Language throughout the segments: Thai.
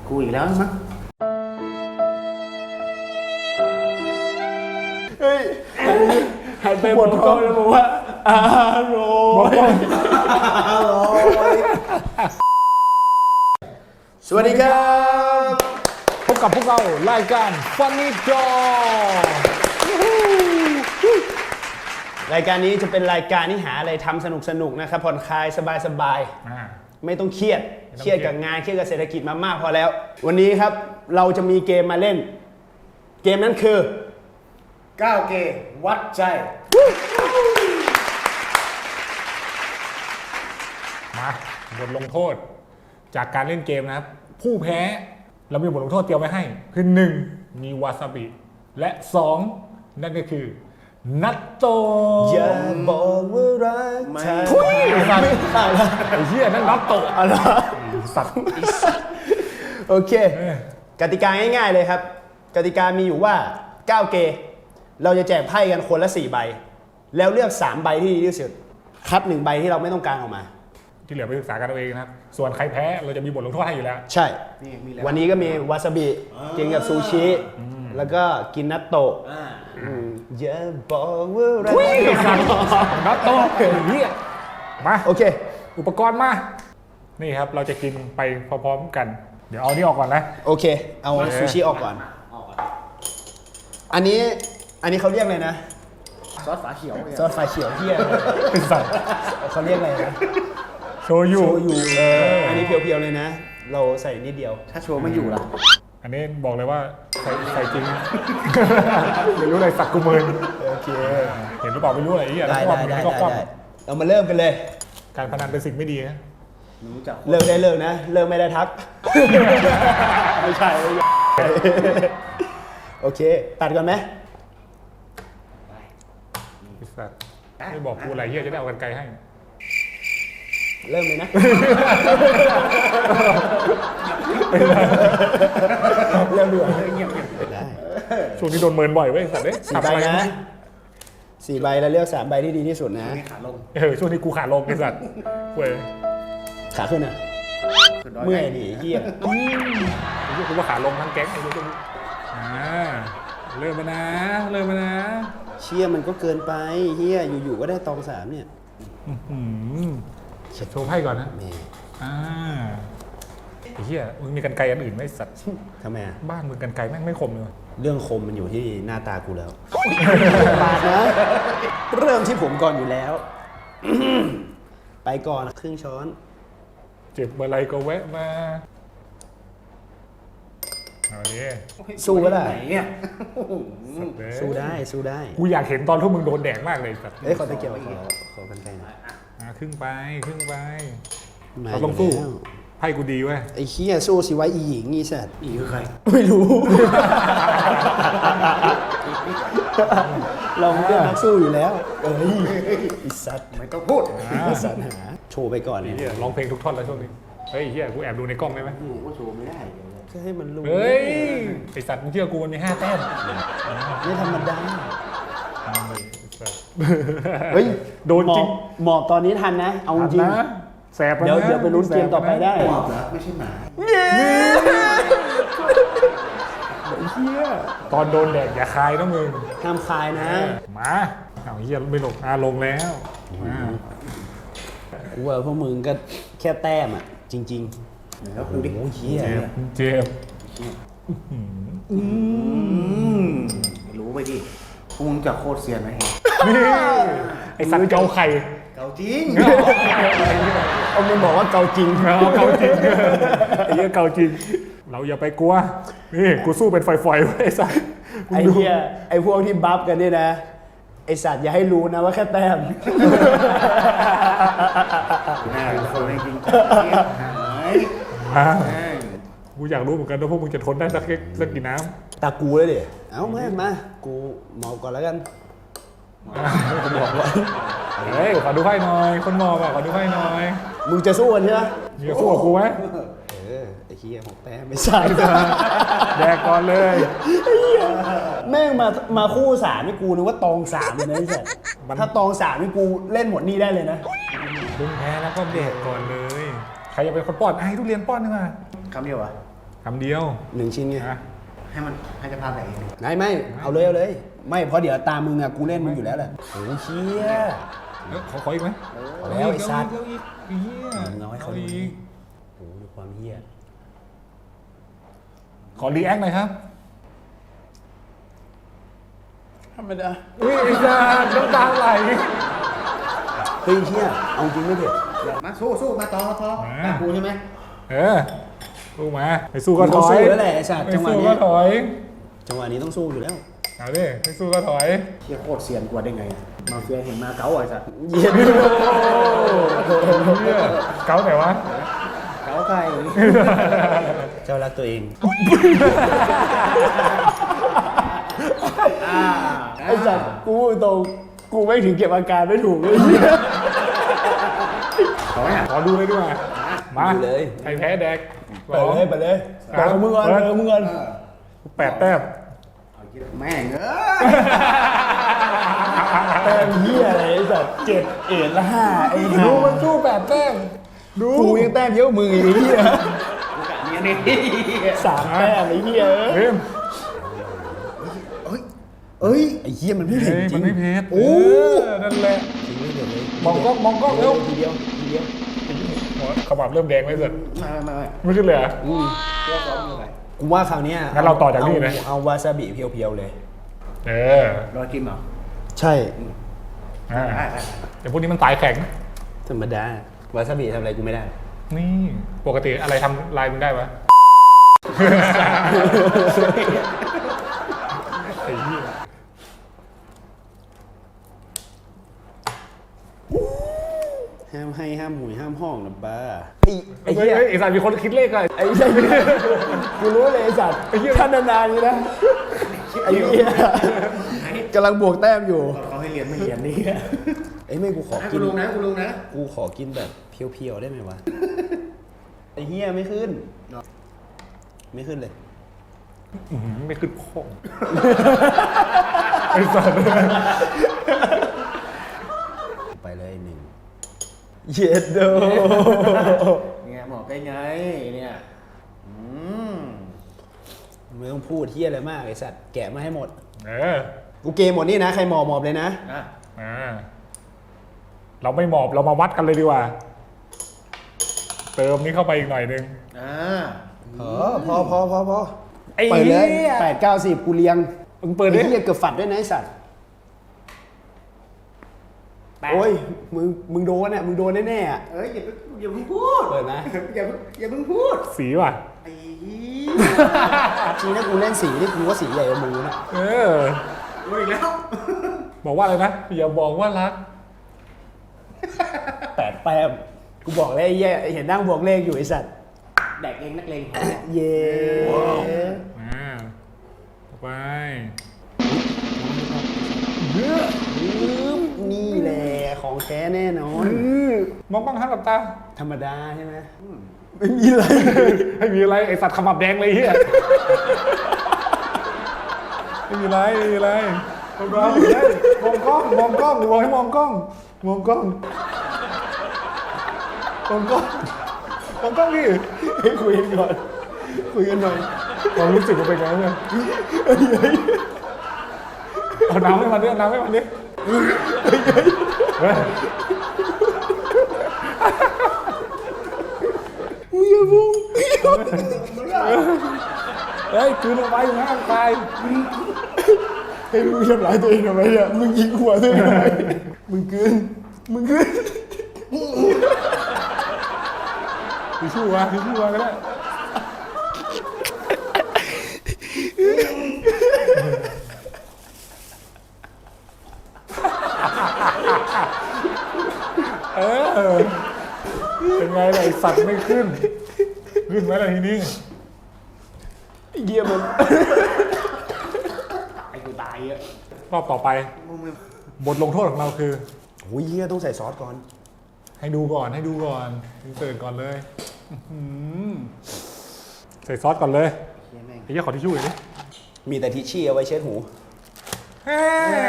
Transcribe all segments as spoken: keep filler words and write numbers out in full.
กูอีกแล้วมั้งเฮ้ยหันไปบนกล้องแล้วบอกว่าอร่อยอร่อยสวัสดีครับพบกับพวกเรารายการ Funny Dog รายการนี้จะเป็นรายการที่หาอะไรทำสนุกสนุกนะครับผ่อนคลายสบายๆไม่ต้องเครียดเครียดกับงานเครียดกับเศรษฐกิจมามากพอแล้ววันนี้ครับเราจะมีเกมมาเล่นเกมนั้นคือเก้าเกมวัดใจมาบทลงโทษจากการเล่นเกมนะครับผู้แพ้เรามีบทลงโทษเตรียมไว้ให้คือหนึ่งมีวาซาบิและสองนั่นก็คือนัตโตะอย่าบอกว่ารักเธอทุยสัตว์ไอ้เหี้ยนั่นนัตโตะอะไรสัตว์โอเคกติกาง่ายๆเลยครับกติกามีอยู่ว่าเก้าเกมเราจะแจกไพ่กันคนละสี่ใบแล้วเลือกสามใบที่ดีที่สุดคัดหนึ่งใบที่เราไม่ต้องการออกมาที่เหลือไปศึกษากันเอาเองนะครับส่วนใครแพ้เราจะมีบทลงโทษให้อยู่แล้วใช่วันนี้ก็มีวาซาบิกินกับซูชิแล้วก็กินนัตโตะอย่าบอกว่ารักนัตโตะเฮียมาโอเคอุปกรณ์มานี่ครับเราจะกินไปพร้อมๆกันเดี๋ยวเอานี่ออกก่อนนะโอเคเอาซูชิออกก่อนอันนี้อันนี้เขาเรียกอะไรนะซอสฝาเขียวซอสฝาเขียวเที่ยเป็นสัตว์เขาเรียกอะไรนะโชยุโชยุเอออันนี้เพียวๆเลยนะเราใส่นิดเดียวถ้าโชว์ไม่อยู่ล่ะอันนี้บอกเลยว่าใส่ใส่จริงไม่รู้อะไรสักกุมารโอเคเห็นหรือเปล่าไม่รู้อะไรอีกได้ได้ได้ได้เรามาเริ่มกันเลยการพนันเป็นสิ่งไม่ดีนะเลิกได้เลิกนะเลิกไม่ได้ทักไม่ใช่โอเคตัดก่อนไหมไม่บอกกูอะไรเฮียจะได้เอากันไกลให้เริ่มเลยนะเริ่มเดือดเงียบๆได้ช่วงนี้โดนเมินบ่อยเว้ยสัตว์เด้สี่ใบนะสี่ใบแล้วเลือกสามใบที่ดีที่สุดนะขาลงเออช่วงนี้กูขาลงไอ้สัตว์เว้ยขาขึ้นอ่ะเมื่อยดิเฮียไอ้เหี้ยกูว่าขาลงทั้งแก๊งไอ้เหี้ยอ่าเริ่มมานะเริ่มมานะเชี่ยมันก็เกินไปเฮียอยู่ๆก็ได้ตองสามเนี่ยโชว์ไพ่ก่อนนะอ่าไอ้เหี้ยมึงมีกันไกรอันอื่นไหมสัตว์ทำไมอ่ะบ้านมึงกันไกรแม่งไม่คมเลยเรื่องคมมันอยู่ที่หน้าตากูแล้วบาดนะเริ่มที่ผมก่อนอยู่แล้วไปก่อนครึ่งช้อนเจ็บอะไรก็แวะมาเอาดิสู้ก็ได้เนี่ยสู้ได้สู้ได้กูอยากเห็นตอนที่มึงโดนแดกมากเลยสัตว์เอ้ยขอตะเกียบขอขอกันไกลหน่อยอ่ะครึ่งไปครึ่งไปเราต้องสู้ไพ่กูดีเว้ยไอ้เหี้ยสู้สิไว้อีหญิงอีสัตว์อีคือใครไม่รู้เราเป็นนักสู้อยู่แล้วเอ้ยอีสัตว์ไม่ต้องพูดสัตว์หาโชว์ไปก่อนเนี่ยร้องเพลงทุกท่อนแล้วช่วงนี้เฮ้ยเฮียกูแอบดูในกล้องได้ไหมกูก็โชว์ไม่ได้ก็ให้มันรู้เฮ้ยไอสัตว์มึงเชื่อกูมันมีห้าแต้มไม่ธรรมดาเฮ้ยโดนจริงหมอบตอนนี้ทันนะเอาจริงแสบเดี๋ยวเดี๋ยวไปลุ้นเกมต่อไปได้หมอบแล้วไม่ใช่หมาเฮียตอนโดนแดกอย่าคายนะมึงห้ามคายนะมาเอาเฮียไม่ลงอาลงแล้วกูว่าพวกมึงก็แค่แต้มอ่ะจริงๆแล้วกูดิโอ้เฮียเจ็บไม่รู้ไปดิพวกมึงจะโคตรเซียนไหมนี่ไอสัตว์เกาไข่เกาจริงเอามึงบอกว่าเกาจริงเกาจริงไอ้เหี้ยเกาจริงเราอย่าไปกลัวนี่กูสู้เป็นไฟๆไอ้สัตว์ไอ้เหี้ยไอ้พวกที่บัฟกันนี่นะไอ้สัตว์อย่าให้รู้นะว่าแค่แต้มน่าเป็นคนไม่จริงกูอยากรู้เหมือนกันว่าพวกมึงจะทนได้สักสักกี่น้ำตากูเลยดิเอาแม่มากูหมอบก่อนแล้วกันกูบอกว่าเฮ้ยขอดูไพ่หน่อยคนหมอบอ่ะขอดูไพ่หน่อยมึงจะสู้กันใช่ไหมมึงจะสู้กับกูไหมเออไอ้เหี้ยหกแต้มไม่ใช่แดกก่อนเลยแม่งมามาคู่สามนี่กูนึกว่าตองสามเลยนะไอ้สัสถ้าตองสามนี่กูเล่นหมดนี่ได้เลยนะมึงแพ้แล้วก็แดกก่อนเลยใครจะเป็นคนป้อนให้ทุเรียนป้อนนึงอ่ะคำเดียวอ่ะคำเดียวหนึ่งชิ้นไงนะให้มันให้จะพาไปเองไม่ไม่เอาเลยเอาเลย ไม่เพราะเดี๋ยวตามมึงอะกูเล่นมึงอยู่แล้วแหละโอ้ยเชี่ยเอ้ยขอขออีกไหมเอาแล้วไอ้สัตว์เอาอีกเอาอีกมึงเอาให้เขาดูอีกโอ้โหดูความเฮี้ยขอรีแอคหน่อยครับธรรมดาอุ้ยไอ้สัตว์น้ำตาไหลเฮ้ยเฮี้ยเอาจริงไม่เผ็ดมาสู้สู้มาต่อต่อตากูใช่ไหมเออสู้มาไปสู้ก็ถต้องอยสู้แล้วแหละไอ้สัตว์ไม่จังหวะสู้นี้ก็ถอยจังหวะนี้ต้องสู้อยู่แล้วเอาดิไม่สู้ก็ถอยเฮียโคตรเซียนกว่าได้ไงอะมาเฟียเห็นมาเก๋าไอ้สัสเย็นเหี้ยเก้าไหนวะเก๋าใครเจ้ารักตัวเองอ่าไอ้สัตว์กูตรงกูไม่ถึงเก็บอาการไม่ถูกเลยขอไหมอ่ะขอดูเลยดีกว่ามาดูเลยใครแพ้แดกเปิดเลยเปิดเลยเปิดของมึงก่อนเปิดของมึงก่อนแปดแต้มแม่งเอ้ยแต้มเหี้ยอะไรไอ้สัตว์เจ็ดเอ็ดละห้าไอ้ดูห่ามันสู้แปดแต้มดูกูยังแต้มเยอะกว่ามึงอีกไอ้เหี้ยเนี่ยนี่สามแต้มไอ้เหี้ยเฮ้ยเอ้ยเอ้ยไอ้เหี้ยมันไม่เผ็ดจริมังนไม่เผ็ดโอ้เออนั่นแหละจริงไม่เผ็ดเลยมองกล้องมองกล้องเร็วทีเดียวทีเดียวหัวขมับเริ่มแดงไหมเสร็จมามามาไม่ขึ้นเลยเหรออืมเรื่องซ้อมยังไงกูว่าคราวเนี้ยงั้นเราต่อจากนี่ไหมเอาเอาวาซาบิเพียวๆเลยเออรอยกินเหรอใช่อ่าได้ได้แต่พวกนี้มันตายแข็งธรรมดาวาซาบิทำอะไรกูไม่ได้นี่ปกติอะไรทำลายมึงได้ปะไอ้เหี้ยห้ามให้ห้ามหุยห้ามห้องนะบ้าไอ้ไอ้ไอ้เหี้เหี้ยยไอ้สัตว์มีคนคิดเลขอะไอ้ใช่กูรู้เลยไอ้สัตว์ไอ้เหี้ยท่านนานๆนี้นะไอ้เหี้ยกำลังบวกแต้มอยู่เขาให้เรียนไม่เรียนนี่ไอ้ยไม่กูขอให้กิกูนลุงนะกูลุงนะกูขอกินแบบเพียวๆได้ไหมวะไอ้เหี้ยไม่ขึ้น ไม่ขึ้นเลยอื้อหือไม่ขึ้นพ่องไอ้สัตว์ไปเลยหนึ่งเย็ดโดเนี่ยหมอกได้ไงเนี่ยอืมไม่ต้องพูดเหี้ยอะไรมากไอ้สัตว์แกะมาให้หมดเออกูเกมหมดนี่นะใครหมอบหมอบเลยนะอ่ะอ่าเราไม่หมอบเรามาวัดกันเลยดีกว่า เติมนี้เข้าไปอีกหน่อยนึงอ่าเออพอพอพอพอไอ้เปิดเลยเหี้ยแปดเก้าสิบกูเลี้ยงมึงเปิดดิไอ้เหี้ยเกือบฝัดด้วยนะไอ้สัตว์โอ้ยมึงมึงโดนอ่ะมึงโดนแน่ๆอ่ะเอ้ยอย่าเพิ่งอย่าเพิ่งพูดเปิดนะอย่าเพิ่งอย่าเพิ่งพูดสีว่ะไอ้จริงนะกูเล่นสีนี่กูว่าสีใหญ่กว่ามึงนะเออพูดอีกแล้วบอกว่าอะไรนะ อย่าบอกว่ารักแปดแต้มกูบอกเลยไอ้เหี้ยเห็นนั่งบวกเลขอยู่ไอ้สัตว์แดกเองนักเลงเย้อ่าต่อไปนี่แหละของแท้แน่นอนมองบ้างครับหลับตาธรรมดาใช่ไหมไม่มีอะไรไม่มีอะไรไอสัตว์ขมับแดงเลยเฮียไม่มีอะไรไม่มีอะไรมองกล้องมองกล้องมองกล้องมองให้มองกล้องมองกล้องมองกล้องมองกล้องดิให้คุยกันก่อนคุยกันหน่อยความรู้สึกมันเป็นไงเนี่ยเอาน้ำให้มันดิเอาน้ำให้มันดิเฮ้ยมึงอย่าบุ้งเฮ้ยคืนเอาไว้ห้ามตายให้มึงทำร้ายตัวเองทำไมเนี่ยมึงยิงหัวตัวเองทำไมมึงกลืนมึงกลืนทิชชู่วะทิชชู่วะก็ได้เออเป็นไงล่ะไอสัตว์ไม่ขึ้น ขึ้นไหมล่ะทีนี้ไอ้เหี้ยมันไอ้กูตายอ่ะรอบต่อไป บทลงโทษของเราคือโอ้ยเหี้ยต้องใส่ซอสก่อนให้ดูก่อนให้ดูก่อนอินเสิร์ตก่อนเลยอื้อหือใส่ซอสก่อนเลยเฮียแม่งไอ้เหี้ยขอทิชชู่หน่อยดิมีแต่ทิชชี่เอาไว้เช็ดหูเฮ้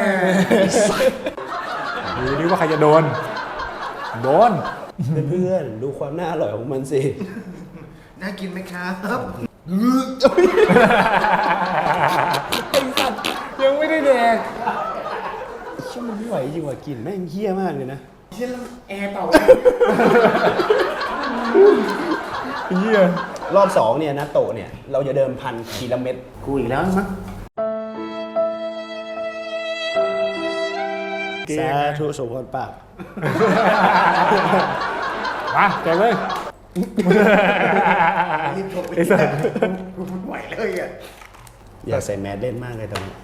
ยดูดิว่าใครจะโดน โดนเพื่อนๆดูความน่าอร่อยของมันสิน่ากินไหมครับไอ้สัตว์ยังไม่ได้แดกช่างมันไม่ไหวจริงว่ะกลิ่นแม่งเหี้ยมากเลยนะเช่นแอร์เป่าเหี้ยรอบสองเนี่ยนะโตะเนี่ยเราจะเดิมพันทีละเม็ดกูอีกแล้วมั้งสาธุสมพรปากมาแจกเลยรีบโทรไปไอ้สัตว์กูไม่ไหวเลยอ่ะอยากใส่แมสเล่นมากเลยตอนนี้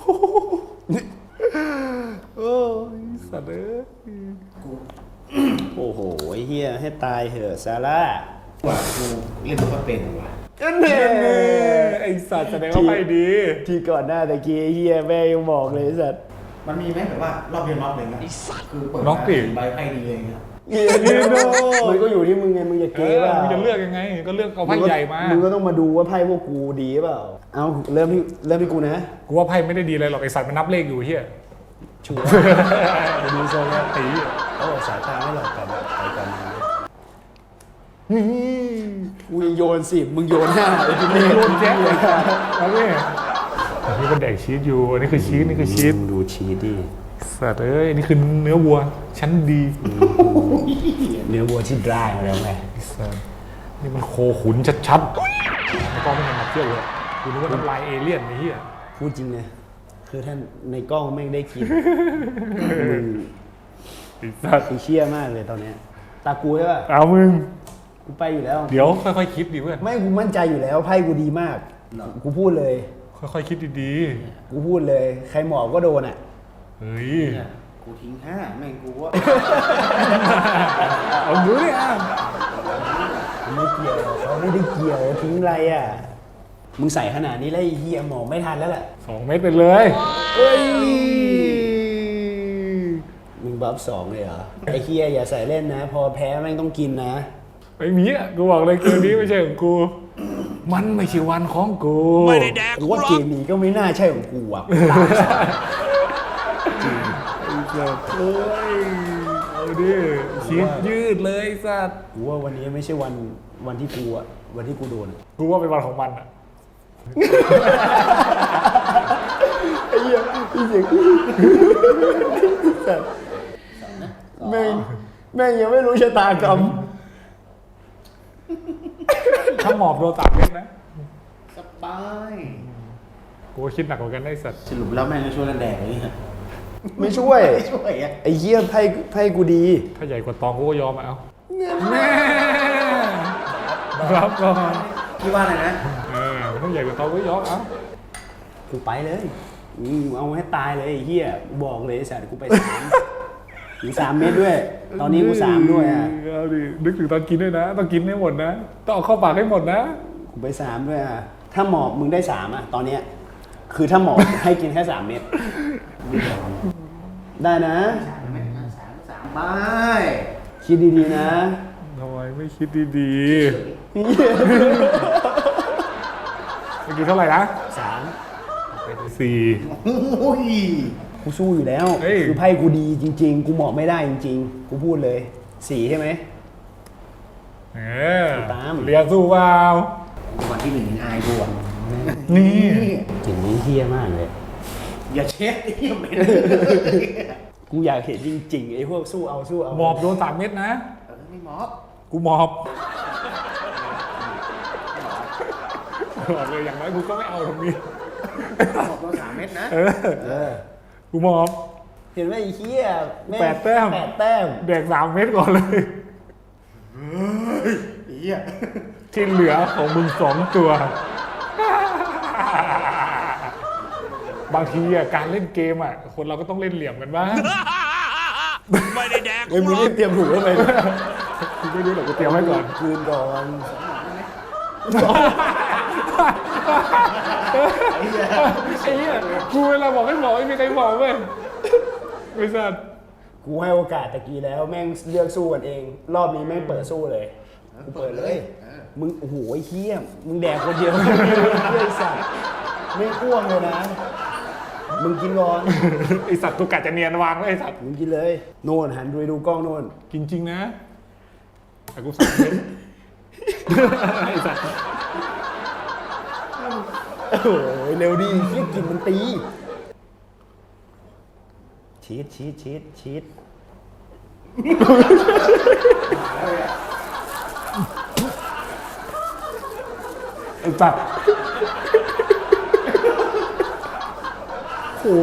โอ้ยสัตว์เอ้ยโอ้โหไอ้เฮียให้ตายเถอะซาร่าว่ากูเล่นตัวเป็นว่ะเน่ไอ้สัตว์แสดงว่าไม่ดีที่ก่อนหน้าตะกี้ไอ้เฮียแม่ยังบอกเลยไอ้สัตว์มันมีไหมแบบว่ารอบเดียวน็อกเลยนะคือเปิดน็อกดิใบไพ่ดีเลยนะเฮียนี่โดมันก็อยู่ที่มึงไงมึงจะเอเก๋อเปล่ามึงจะเลือกยังไง ก็เลือกเอาไพ่ใหญ่มามึงก็ต้องมาดูว่าไพ่พวกกูดีเปล่าเอาเริ่มที่เริ่มที่กูนะกูว่าไพ่ไม่ได้ดีอะไรหรอกไอ้สัตว์มันนับเลขอยู่เฮียชัวร์ไปดูทรงแล้วไอ้เหี้ยโอ้สายตาไม่หลอกกันไปกันมานี่กูยังโยนสิบมึงโยนห้าไอ้ที่นี่นี่โดนแจ็คเลยแล้วเนี่ยอันนี้เป็นแดกชีสอยู่ อันนี้คือชีสนี่คือชีสดูชีสดิสัตว์เอ้ยนี่คือเนื้อวัวชั้นดีเนื้อวัวที่ดรายมาแล้วไงไอ้สัตว์นี่มันโคขุนชัดๆแล้วก็ไม่เห็นมาเที่ยวเลยกูนึกว่าน้ำลายเอเลี่ยนไอ้เหี้ยพูดจริงเลยคือท่านในกล้องแม่งได้กินมึงไอ้สัตว์กูเชี่ยมากเลยตอนเนี้ยตากูใช่ป่ะเอามึงกูไปอยู่แล้วเดี๋ยวค่อยๆคิดดิเพื่อนไม่กูมั่นใจอยู่แล้วไพ่กูดีมาก กูพูดเลยค่อยๆคิดดีกูพูดเลย ใครหมอบก็โดนอ่ะๆเฮ้ยเนี่ยกูทิ้งห้าแม่งกูว่าเอาดูดิอ่ะไม่เกี่ยวเขาไม่ได้เกี่ยวทิ้งอะไรอ่ะ มึงใส่ขนาดนี้แล้วไอ้เฮียหมอบไม่ทันแล้วแหละสองเม็ดไปเลยเฮ้ย มึงบัฟสองเลยเหรอ ไอ้เฮียอย่าใส่เล่นนะ พอแพ้แม่งต้องกินนะไม่มีอ่ะกูบอกเลยเกมนี้ไม่ใช่ของกู มันไม่ใช่วันของกูไม่ได้แดกกูว่าเกมนี้ก็ไม่น่าใช่ของกูอ่ะตายซะเฮ้ยเอาดิชีสยืดเลยสัตว์กูว่าวันนี้ไม่ใช่วันวันที่กูอ่ะ วันที่กูโดนอะกูว่าเป็นวันของมันอ่ะไอ้เหี้ยพี่เสียงแม่งแม่งยังไม่รู้ชะตากรรมถ้าหมอบโดนสามเม็ดนะสบายกูว่าคิดหนักกว่ากันได้สัตว์สรุปแล้วแม่งจะช่วยกันแดกเลยฮะไม่ช่วยไม่ช่วยอ่ะไอ้เหี้ยไพ่ไพ่กูดีถ้าใหญ่กว่าตองกูก็ยอมอะเอาแม่รับก่อนพี่ว่าอะไรนะเออถ้าใหญ่กว่าตองกูก็ยอมเอากูไปเลยอืมเอาให้ตายเลยไอ้เหี้ยกูบอกเลยไอ้สัตว์กูไปสามถึงสามเม็ดด้วย ตอนนี้กูสามด้วยอ่ะเอาดินึกถึงตอนกินด้วยนะ ต้องกินให้หมดนะ ต้องเอาเข้าปากให้หมดนะกูไปสามด้วยอ่ะ ถ้าหมอบมึงได้สามอ่ะ ตอนเนี้ย คือถ้าหมอบ ให้กินแค่สามเม็ด ได้นะสามสามใบคิดดีๆนะทำไมไม่คิดดีๆเมื่อกี้เท่าไหร่นะสามสี่โอ้ยกูสู้อยู่แล้วเฮ้ยคือไพ่กูดีจริง ๆ กูหมอบไม่ได้จริง ๆ กูพูดเลยสี่ใช่ไหมเออตามเรียนสู้เปล่าวันที่หนึ่งอายบวมนี่กลิ่นนี้เฮี้ยมากเลยอย่าเช็ดไอ้เหี้ยเหม็นกูอยากเห็นจริงๆไอ้พวกสู้เอาสู้เอาหมอบโดนสามเม็ดนะเออไม่หมอบกูหมอบบอกเลยอย่างน้อยกูก็ไม่เอาตรงนี้หมอบตัวสามเม็ดนะเออเออกูหมอบเห็นไหมไอ้เฮี้ยงแปดแต้มแปดแต้มแดกสามเม็ดก่อนเลยไอ้เหี้ยที่เหลือของมึงสองตัว บางทีอะการเล่นเกมอะคนเราก็ต้องเล่นเหลี่ยมกันบ้างไม่ได้แดกเอ้ยมึงรีบเตรียมถูกไว้เลยกูไม่รู้หรอกกูเตรียมไว้ก่อนคืนก่อนไอ้เหี้ยกูเวลาบอกให้บอกไม่มีใครบอกเว้ยบริษัทกูให้โอกาสตะกี้แล้วแม่งเลือกสู้กันเอง รอบนี้แม่งเปิดสู้เลยกูเปิดเลยมึงโอ้โหไอ้เฮี้ยมึงแดกคนเดียวเฮี้ยไอ้สัตว์ไม่พ่วงเลยนะ มึงกินก่อนไอสัตว์ตุกกะจะเนียนวางเลยไอสัตว์มึงกินเลยโน่นหันดูดูกล้องโน่นกินจริงนะแต่กูสั่งเม็ดไอสัตว์โอ้โหเร็วดีเฮียกลินมันตี ชีสชีสชีสชีสไอ้ปักโอ้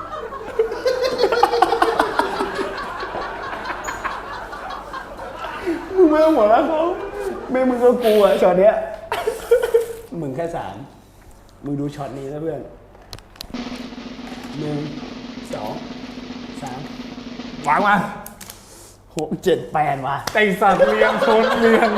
มึงไม่ต้องหัวเราะเขาไม่มึงก็กลัวช็อตเนี้ยมึงแค่สามมึงดูช็อตนี้นะเพื่อนหนึ่งสองสามวางมาหกเจ็ดแปดว่ะไอสัตว์เลี้ยงชนเลี้ยง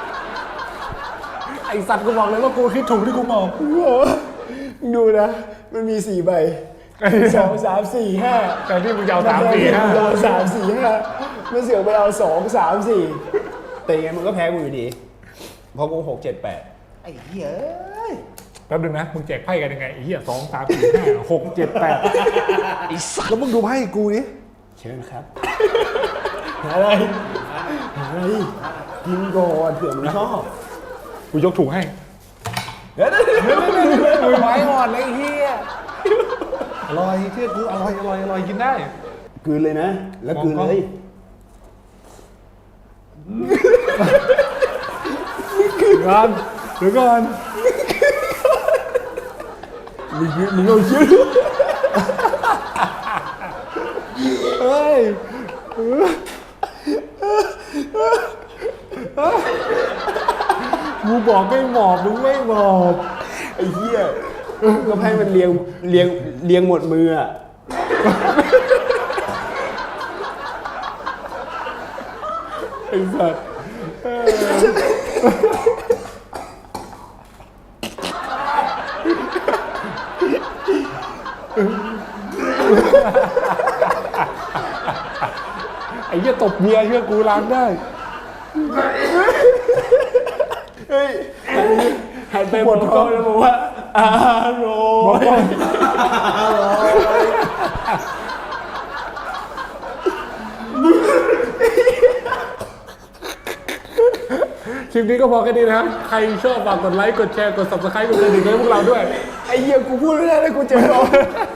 ไอสัตว์กูบอกเลยว่ากูคิดถูกที่กูมองโอ้โหดูนะ มันมีสี่ใบสองสามสี่ห้าแต่ที่มึงจะเอาสามสี่ห้าเราสามสี่ห้ามันเสือกไปเอาสองสามสี่แต่ยังไงมันก็แพ้กูอยู่ดีเพราะกูหกเจ็ดแปดไอ้เหี้ยเอ้ยแป๊บนึงนะมึงแจกไพ่กันยังไงไอ้เหี้ยสองสามสี่ห้าหกเจ็ดแปดแล้วมึงดูไพ่กูดิเชิญครับหาอะไรหาอะไรกินก่อนเผื่อมึงชอบกูยกถุงให้เดี๋ยวเดี๋ยวเดี๋ยวเดี๋ยวเดี๋ยวมือไม้อ่อนเลยไอ้เหี้ยอร่อยเชื่อกูอร่อยอร่อยอร่อยกินได้กลืนเลยนะ แล้วกลืนเลยก่อนเดี๋ยวก่อนมึงมึงเอาชื่อเฮ้ยกูบอกไม่หมอบมึงไม่หมอบไอ้เหี้ยก็ให้มันเลียงเลียงเลียงหมดมืออ่ะไอ้สัตว์ไอ้เหี้ยตบเมียเชื่อกูล้างได้เฮ้ยหันไปบนกล้องแล้วบอกว่าอร่อยคลิปนี้ก็พอแค่นี้นะครับ ใครชอบฝากกดไลค์ กดแชร์ กด ซับสไครบ์ กดกระดิ่งให้พวกเราด้วยไอ้เหี้ยกูพูดไม่ได้เลยกูเจ็บคอ